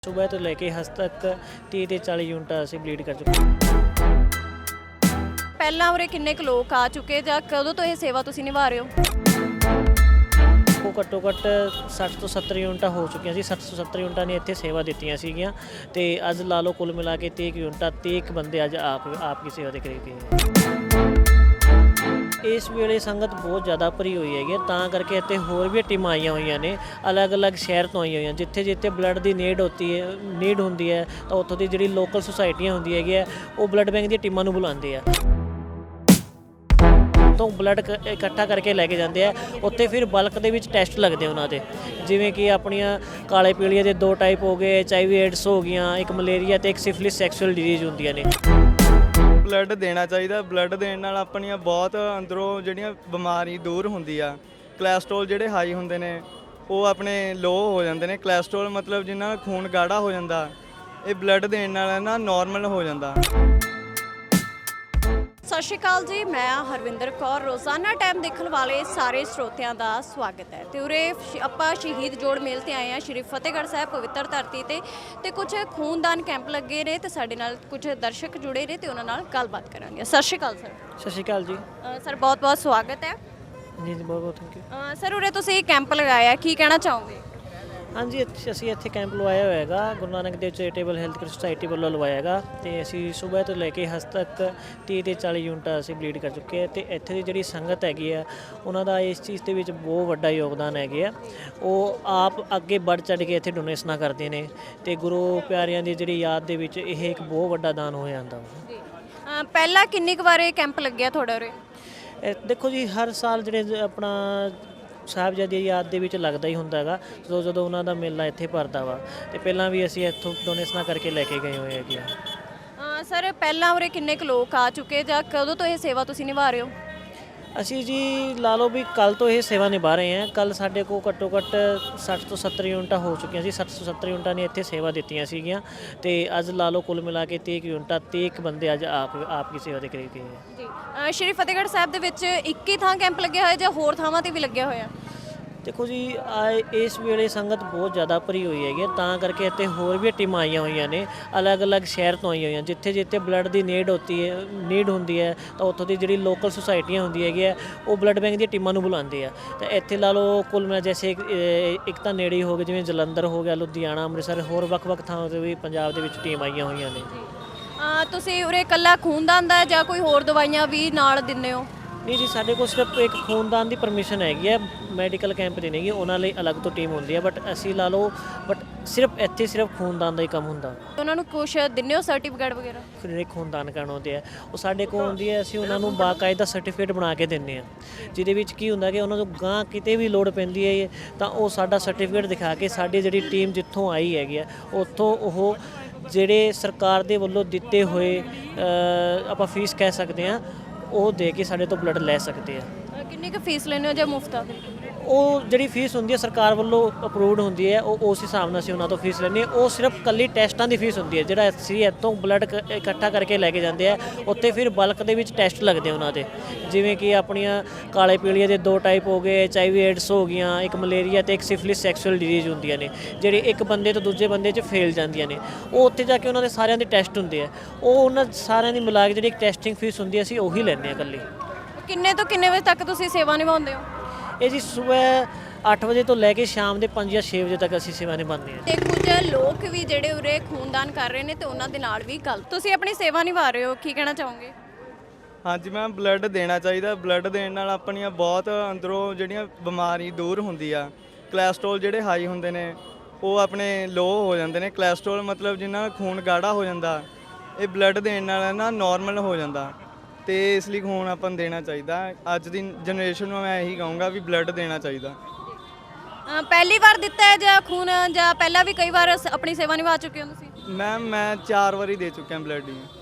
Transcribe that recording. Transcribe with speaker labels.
Speaker 1: सुबह तो लेके हज तक 30 ਤੇ 40 ਯੂਨਿਟਾਂ ਅਸੀਂ ਬਲੀਡ ਕਰ ਚੁੱਕੇ ਹਾਂ।
Speaker 2: ਪਹਿਲਾਂ ਉਰੇ ਕਿੰਨੇ ਕੁ ਲੋਕ ਆ ਚੁੱਕੇ ਜਾਂ ਕਦੋਂ ਤੋਂ ਇਹ ਸੇਵਾ ਤੁਸੀਂ ਨਿਭਾ ਰਹੇ ਹੋ?
Speaker 1: ਉਹ ਘੱਟੋ ਘੱਟ 60 ਤੋਂ 70 ਯੂਨਿਟਾਂ ਹੋ ਚੁੱਕੀਆਂ ਸੀ। 60 ਤੋਂ 70 ਯੂਨਿਟਾਂ ਨੇ ਇੱਥੇ ਸੇਵਾ ਦਿੱਤੀਆਂ ਸੀਗੀਆਂ ਤੇ ਅੱਜ ਲਾ ਲਓ ਕੁੱਲ ਮਿਲਾ ਕੇ 30 ਯੂਨਿਟਾਂ 30 ਬੰਦੇ ਅੱਜ ਆਪ ਦੀ ਸੇਵਾ ਦੇ ਕਰੀਬ ਗਏ। ਇਸ ਵੇਲੇ ਸੰਗਤ ਬਹੁਤ ਜ਼ਿਆਦਾ ਭਰੀ ਹੋਈ ਹੈਗੀ ਤਾਂ ਕਰਕੇ ਇੱਥੇ ਹੋਰ ਵੀ ਟੀਮਾਂ ਆਈਆਂ ਹੋਈਆਂ ਨੇ ਅਲੱਗ-ਅਲੱਗ ਸ਼ਹਿਰ ਤੋਂ ਆਈਆਂ ਹੋਈਆਂ ਜਿੱਥੇ ਬਲੱਡ ਦੀ ਨੀਡ ਹੁੰਦੀ ਹੈ ਤਾਂ ਉੱਥੋਂ ਦੀ ਜਿਹੜੀ ਲੋਕਲ ਸੁਸਾਇਟੀਆਂ ਹੁੰਦੀ ਹੈਗੀ ਆ ਉਹ ਬਲੱਡ ਬੈਂਕ ਦੀਆਂ ਟੀਮਾਂ ਨੂੰ ਬੁਲਾਉਂਦੇ ਆ ਤੋਂ ਬਲੱਡ ਇਕੱਠਾ ਕਰਕੇ ਲੈ ਕੇ ਜਾਂਦੇ ਆ। ਉੱਥੇ ਫਿਰ ਬਲਕ ਦੇ ਵਿੱਚ ਟੈਸਟ ਲੱਗਦੇ ਉਹਨਾਂ ਦੇ ਜਿਵੇਂ ਕਿ ਆਪਣੀਆਂ ਕਾਲੇ ਪੀਲੀਏ ਦੇ 2 ਟਾਈਪ ਹੋ ਗਏ, HIV ਏਡਸ ਹੋ ਗਈਆਂ, ਇੱਕ ਮਲੇਰੀਆ ਤੇ ਇੱਕ ਸਿਫਿਲਿਸ ਸੈਕਸ਼ੂਅਲ ਡਿਜ਼ੀਜ਼ ਹੁੰਦੀਆਂ ਨੇ।
Speaker 3: ਬਲੱਡ ਦੇਣਾ ਚਾਹੀਦਾ। ਬਲੱਡ ਦੇਣ ਨਾਲ ਆਪਣੀਆਂ ਬਹੁਤ ਅੰਦਰੋਂ ਜਿਹੜੀਆਂ ਬਿਮਾਰੀ ਦੂਰ ਹੁੰਦੀ ਆ। ਕੋਲੇਸਟ੍ਰੋਲ ਜਿਹੜੇ ਹਾਈ ਹੁੰਦੇ ਨੇ ਉਹ ਆਪਣੇ ਲੋ ਹੋ ਜਾਂਦੇ ਨੇ। ਕੋਲੇਸਟ੍ਰੋਲ ਮਤਲਬ ਜਿਨ੍ਹਾਂ ਦਾ ਖੂਨ ਗਾੜਾ ਹੋ ਜਾਂਦਾ ਇਹ ਬਲੱਡ ਦੇਣ ਨਾਲ ਨਾ ਨਾਰਮਲ ਹੋ ਜਾਂਦਾ।
Speaker 2: ਸਤਿ ਸ਼੍ਰੀ ਅਕਾਲ ਜੀ, ਮੈਂ ਹਰਵਿੰਦਰ ਕੌਰ। ਰੋਜ਼ਾਨਾ ਟਾਈਮ ਦੇਖਣ ਵਾਲੇ ਸਾਰੇ ਸਰੋਤਿਆਂ ਦਾ ਸਵਾਗਤ ਹੈ ਤੇ ਉਰੇ ਆਪਾਂ ਸ਼ਹੀਦ ਜੋੜ ਮੇਲ ਤੇ ਆਏ ਹਾਂ ਸ਼੍ਰੀ ਫਤਿਹਗੜ੍ਹ ਸਾਹਿਬ ਪਵਿੱਤਰ ਧਰਤੀ ਤੇ ਕੁਝ ਖੂਨਦਾਨ ਕੈਂਪ ਲੱਗੇ ਨੇ ਤੇ ਸਾਡੇ ਨਾਲ ਕੁਝ ਦਰਸ਼ਕ ਜੁੜੇ ਨੇ ਤੇ ਉਹਨਾਂ ਨਾਲ ਗੱਲਬਾਤ ਕਰਾਂਗੇ। ਸਤਿ ਸ਼੍ਰੀ ਅਕਾਲ ਸਰ।
Speaker 1: ਸਤਿ ਸ਼੍ਰੀ ਅਕਾਲ ਜੀ।
Speaker 2: ਸਰ ਬਹੁਤ-ਬਹੁਤ ਸਵਾਗਤ ਹੈ।
Speaker 1: ਜੀ ਬਹੁਤ ਥੈਂਕ ਯੂ।
Speaker 2: ਸਰ ਉਰੇ ਤੁਸੀਂ ਕੈਂਪ ਲਗਾਇਆ, ਕੀ ਕਹਿਣਾ ਚਾਹੋਗੇ?
Speaker 1: ਹਾਂਜੀ ਅਸੀਂ ਇੱਥੇ ਕੈਂਪ ਲਵਾਇਆ ਹੋਇਆ ਹੈਗਾ Guru Nanak Dev charitable health care society ਵੱਲੋਂ ਲਵਾਇਆ ਹੈਗਾ ਤੇ ਅਸੀਂ ਸਵੇਰ ਤੋਂ ਲੈ ਕੇ ਹਜ ਤੱਕ 30 ਤੇ 40 ਯੂਨਿਟਾਂ ਅਸੀਂ ਬਲੀਡ ਕਰ ਚੁੱਕੇ ਹਾਂ ਤੇ ਇੱਥੇ ਦੀ ਜਿਹੜੀ ਸੰਗਤ ਹੈਗੀ ਆ ਉਹਨਾਂ ਦਾ ਇਸ ਚੀਜ਼ ਦੇ ਵਿੱਚ ਬਹੁਤ ਵੱਡਾ ਯੋਗਦਾਨ ਹੈਗੇ ਆ। ਉਹ ਆਪ ਅੱਗੇ ਵੱਧ ਚੜ੍ਹ ਕੇ ਇੱਥੇ ਡੋਨੇਸ਼ਨਾਂ ਕਰਦੇ ਨੇ ਤੇ ਗੁਰੂ ਪਿਆਰਿਆਂ ਦੀ ਜਿਹੜੀ ਯਾਦ ਦੇ ਵਿੱਚ ਇਹ ਇੱਕ ਬਹੁਤ ਵੱਡਾ ਦਾਨ ਹੋ ਜਾਂਦਾ।
Speaker 2: ਪਹਿਲਾਂ ਕਿੰਨੀ ਕੁ ਵਾਰ ਇਹ ਕੈਂਪ ਲੱਗਿਆ ਤੁਹਾਡਾ ਉਰੇ?
Speaker 1: ਦੇਖੋ ਜੀ ਹਰ ਸਾਲ ਜਿਹੜੇ ਆਪਣਾ ਸਾਹਿਬਜ਼ਾਦੇ ਦੀ ਯਾਦ ਦੇ ਵਿੱਚ ਲੱਗਦਾ ਹੀ ਹੁੰਦਾ ਹੈਗਾ ਜਦੋਂ ਉਹਨਾਂ ਦਾ ਮੇਲਾ ਇੱਥੇ ਭਰਦਾ ਵਾ ਤੇ ਪਹਿਲਾਂ ਵੀ ਅਸੀਂ ਇੱਥੋਂ ਡੋਨੇਸ਼ਨਾਂ ਕਰਕੇ ਲੈ ਕੇ ਗਏ ਹੋਏ ਹੈਗੇ ਆ।
Speaker 2: ਸਰ ਪਹਿਲਾਂ ਉਰੇ ਕਿੰਨੇ ਕੁ ਲੋਕ ਆ ਚੁੱਕੇ ਜਾਂ ਕਦੋਂ ਤੋਂ ਇਹ ਸੇਵਾ ਤੁਸੀਂ ਨਿਭਾ ਰਹੇ ਹੋ?
Speaker 1: ਅਸੀਂ ਜੀ ਲਾ ਲਓ ਵੀ ਕੱਲ ਤੋਂ ਇਹ ਸੇਵਾ ਨਿਭਾ ਰਹੇ ਹਾਂ। ਕੱਲ ਸਾਡੇ ਕੋਲ ਘੱਟੋ ਘੱਟ 60 ਤੋਂ 70 ਯੂਨਿਟਾਂ ਹੋ ਚੁੱਕੀਆਂ ਸੀ। 60 ਤੋਂ 70 ਯੂਨਿਟਾਂ ਨੇ ਇੱਥੇ ਸੇਵਾ ਦਿੱਤੀਆਂ ਸੀਗੀਆਂ ਤੇ ਅੱਜ ਲਾ ਲਓ ਕੁੱਲ ਮਿਲਾ ਕੇ 30 ਯੂਨਿਟਾਂ 30 ਬੰਦੇ ਅੱਜ ਆਪ ਦੀ ਸੇਵਾ ਦੇ ਕਰੀਬ ਗਏ
Speaker 2: ਜੀ। ਸ਼੍ਰੀ ਫਤਿਹਗੜ੍ਹ ਸਾਹਿਬ ਦੇ ਵਿੱਚ ਇੱਕ ਹੀ ਥਾਂ ਕੈਂਪ ਲੱਗਿਆ ਹੋਇਆ ਜਾਂ ਹੋਰ ਥਾਵਾਂ ਤੇ ਵੀ ਲੱਗਿਆ ਹੋਇਆ?
Speaker 1: ਦੇਖੋ ਜੀ ਇਸ ਵੇਲੇ ਸੰਗਤ ਬਹੁਤ ਜ਼ਿਆਦਾ ਭਰੀ ਹੋਈ ਹੈਗੀ ਤਾਂ ਕਰਕੇ ਇੱਥੇ ਹੋਰ ਵੀ ਟੀਮਾਂ ਆਈਆਂ ਹੋਈਆਂ ਨੇ ਅਲੱਗ-ਅਲੱਗ ਸ਼ਹਿਰ ਤੋਂ ਆਈਆਂ ਹੋਈਆਂ ਜਿੱਥੇ ਬਲੱਡ ਦੀ ਨੀਡ ਹੁੰਦੀ ਹੈ ਤਾਂ ਉੱਥੋਂ ਦੀ ਜਿਹੜੀ ਲੋਕਲ ਸੁਸਾਇਟੀਆਂ ਹੁੰਦੀ ਹੈਗੀ ਆ ਉਹ ਬਲੱਡ ਬੈਂਕ ਦੀਆਂ ਟੀਮਾਂ ਨੂੰ ਬੁਲਾਉਂਦੇ ਆ। ਤਾਂ ਇੱਥੇ ਲਾ ਲਓ ਕੁੱਲ ਮਿਲਾ ਜੈਸੇ ਇੱਕ ਤਾਂ ਨੇੜੇ ਹੀ ਹੋ ਗਏ ਜਿਵੇਂ ਜਲੰਧਰ ਹੋ ਗਿਆ, ਲੁਧਿਆਣਾ, ਅੰਮ੍ਰਿਤਸਰ, ਹੋਰ ਵੱਖ-ਵੱਖ ਥਾਵਾਂ 'ਤੇ ਵੀ ਪੰਜਾਬ ਦੇ ਵਿੱਚ ਟੀਮ ਆਈਆਂ ਹੋਈਆਂ ਨੇ।
Speaker 2: ਤੁਸੀਂ ਉਰੇ ਇਕੱਲਾ ਖੂਨਦਾਨ ਦਾ ਜਾਂ ਕੋਈ ਹੋਰ ਦਵਾਈਆਂ ਵੀ ਨਾਲ ਦਿੰਦੇ ਹੋ?
Speaker 1: ਨਹੀਂ ਜੀ ਸਾਡੇ ਕੋਲ ਸਿਰਫ ਇੱਕ ਖੂਨਦਾਨ ਦੀ ਪਰਮਿਸ਼ਨ ਹੈਗੀ ਹੈ। ਮੈਡੀਕਲ ਕੈਂਪ ਦੀ ਨਹੀਂ ਗੀ, ਉਹਨਾਂ ਲਈ ਅਲੱਗ ਤੋਂ ਟੀਮ ਹੁੰਦੀ ਹੈ ਬਟ ਅਸੀਂ ਲਾ ਲਓ ਸਿਰਫ ਖੂਨਦਾਨ ਦਾ ਹੀ ਕੰਮ ਹੁੰਦਾ।
Speaker 2: ਉਹਨਾਂ ਨੂੰ ਕੁਛ ਦਿੰਦੇ ਹੋ ਸਰਟੀਫਿਕੇਟ ਵਗੈਰਾ?
Speaker 1: ਜਿਹੜੇ ਖੂਨਦਾਨ ਕਰਨ ਆਉਂਦੇ ਆ ਉਹ ਸਾਡੇ ਕੋਲ ਆਉਂਦੀ ਹੈ, ਅਸੀਂ ਉਹਨਾਂ ਨੂੰ ਬਾਕਾਇਦਾ ਸਰਟੀਫਿਕੇਟ ਬਣਾ ਕੇ ਦਿੰਦੇ ਹਾਂ ਜਿਹਦੇ ਵਿੱਚ ਕੀ ਹੁੰਦਾ ਕਿ ਉਹਨਾਂ ਨੂੰ ਗਾਂ ਕਿਤੇ ਵੀ ਲੋੜ ਪੈਂਦੀ ਹੈ ਤਾਂ ਉਹ ਸਾਡਾ ਸਰਟੀਫਿਕੇਟ ਦਿਖਾ ਕੇ ਸਾਡੀ ਜਿਹੜੀ ਟੀਮ ਜਿੱਥੋਂ ਆਈ ਹੈਗੀ ਆ ਉੱਥੋਂ ਉਹ ਜਿਹੜੇ ਸਰਕਾਰ ਦੇ ਵੱਲੋਂ ਦਿੱਤੇ ਹੋਏ ਆਪਾਂ ਫੀਸ ਕਹਿ ਸਕਦੇ ਹਾਂ ਉਹ ਦੇ ਕੇ ਸਾਡੇ ਤੋਂ ਬਲੱਡ ਲੈ ਸਕਦੇ ਆ।
Speaker 2: ਕਿੰਨੀ ਕੁ ਫੀਸ ਲੈਂਦੇ ਹੋ ਜਾਂ ਮੁਫਤ ਆ?
Speaker 1: ਉਹ ਜਿਹੜੀ ਫੀਸ ਹੁੰਦੀ ਹੈ ਸਰਕਾਰ ਵੱਲੋਂ ਅਪਰੂਵਡ ਹੁੰਦੀ ਹੈ ਉਹ ਉਸ ਹਿਸਾਬ ਨਾਲ ਅਸੀਂ ਉਹਨਾਂ ਤੋਂ ਫੀਸ ਲੈਂਦੇ ਹਾਂ। ਉਹ ਸਿਰਫ ਕੱਲੀ ਟੈਸਟਾਂ ਦੀ ਫੀਸ ਹੁੰਦੀ ਹੈ ਜਿਹੜਾ ਅਸੀਂ ਇੱਥੋਂ ਬਲੱਡ ਇਕੱਠਾ ਕਰਕੇ ਲੈ ਕੇ ਜਾਂਦੇ ਆ। ਉੱਥੇ ਫਿਰ ਬਲਕ ਦੇ ਵਿੱਚ ਟੈਸਟ ਲੱਗਦੇ ਉਹਨਾਂ ਦੇ ਜਿਵੇਂ ਕਿ ਆਪਣੀਆਂ ਕਾਲੇ ਪੀਲੀਏ ਦੇ 2 ਟਾਈਪ ਹੋ ਗਏ, HIV ਏਡਸ ਹੋ ਗਈਆਂ, ਇੱਕ ਮਲੇਰੀਆ ਤੇ ਇੱਕ ਸਿਫਿਲਿਸ ਸੈਕਸ਼ੂਅਲ ਡਿਜ਼ੀਜ਼ ਹੁੰਦੀਆਂ ਨੇ ਜਿਹੜੀ ਇੱਕ ਬੰਦੇ ਤੋਂ ਦੂਜੇ ਬੰਦੇ 'ਚ ਫੈਲ ਜਾਂਦੀਆਂ ਨੇ। ਉਹ ਉੱਥੇ ਜਾ ਕੇ ਉਹਨਾਂ ਦੇ ਸਾਰਿਆਂ ਦੇ ਟੈਸਟ ਹੁੰਦੇ ਆ। ਉਹ ਉਹਨਾਂ ਸਾਰਿਆਂ ਦੀ ਮਿਲਾ ਕੇ ਜਿਹੜੀ ਇੱਕ ਟੈਸਟਿੰਗ ਫੀਸ ਹੁੰਦੀ ਹੈ ਅਸੀਂ ਉਹੀ ਲੈਂਦੇ ਹਾਂ ਇਕੱਲੀ।
Speaker 2: ਕਿੰਨੇ ਤੋਂ ਕਿੰਨੇ ਵਜੇ ਤੱਕ ਤੁਸੀਂ ਸੇਵਾ ਨਿਭਾਉਂਦੇ ਹੋ?
Speaker 1: ਇਹ ਜੀ ਸਵੇਰ 8 ਵਜੇ ਤੋਂ ਲੈ ਕੇ ਸ਼ਾਮ ਦੇ 5 ਜਾਂ 6 ਵਜੇ ਤੱਕ ਅਸੀਂ ਸੇਵਾ ਨਿਭਾਉਂਦੇ ਹਾਂ।
Speaker 2: ਤੇ ਕੁਝ ਲੋਕ ਵੀ ਜਿਹੜੇ ਉਰੇ ਖੂਨਦਾਨ ਕਰ ਰਹੇ ਨੇ ਤੇ ਉਹਨਾਂ ਦੇ ਨਾਲ ਵੀ ਗੱਲ ਤੁਸੀਂ ਆਪਣੀ ਸੇਵਾ ਨਿਭਾ ਰਹੇ ਹੋ, ਕੀ ਕਹਿਣਾ ਚਾਹੋਗੇ?
Speaker 3: ਹਾਂਜੀ ਮੈਮ, ਬਲੱਡ ਦੇਣਾ ਚਾਹੀਦਾ। ਬਲੱਡ ਦੇਣ ਨਾਲ ਆਪਣੀਆਂ ਬਹੁਤ ਅੰਦਰੋਂ ਜਿਹੜੀਆਂ ਬਿਮਾਰੀ ਦੂਰ ਹੁੰਦੀ ਆ। ਕੋਲੇਸਟ੍ਰੋਲ ਜਿਹੜੇ ਹਾਈ ਹੁੰਦੇ ਨੇ ਉਹ ਆਪਣੇ ਲੋ ਹੋ ਜਾਂਦੇ ਨੇ। ਕੋਲੇਸਟ੍ਰੋਲ ਮਤਲਬ ਜਿਨ੍ਹਾਂ ਦਾ ਖੂਨ ਗਾੜਾ ਹੋ ਜਾਂਦਾ ਇਹ ਬਲੱਡ ਦੇਣ ਨਾਲ ਨਾ ਨਾਰਮਲ ਹੋ ਜਾਂਦਾ ਤੇ ਇਸ ਲਈ ਖੂਨ ਆਪਾਂ ਨੂੰ ਦੇਣਾ ਚਾਹੀਦਾ। ਅੱਜ ਦੀ ਜਨਰੇਸ਼ਨ ਨੂੰ ਮੈਂ ਇਹੀ ਕਹੂੰਗਾ ਵੀ ਬਲੱਡ ਦੇਣਾ ਚਾਹੀਦਾ।
Speaker 2: ਪਹਿਲੀ ਵਾਰ ਦਿੱਤਾ ਹੈ ਜਾਂ ਖੂਨ ਜਾਂ ਪਹਿਲਾਂ ਵੀ ਕਈ ਵਾਰ ਆਪਣੀ ਸੇਵਾ ਨਿਭਾ ਚੁੱਕੇ ਹੋ ਤੁਸੀਂ?
Speaker 3: ਮੈਮ ਮੈਂ 4 ਵਾਰੀ ਦੇ ਚੁੱਕਿਆ ਬਲੱਡ ਹੀ।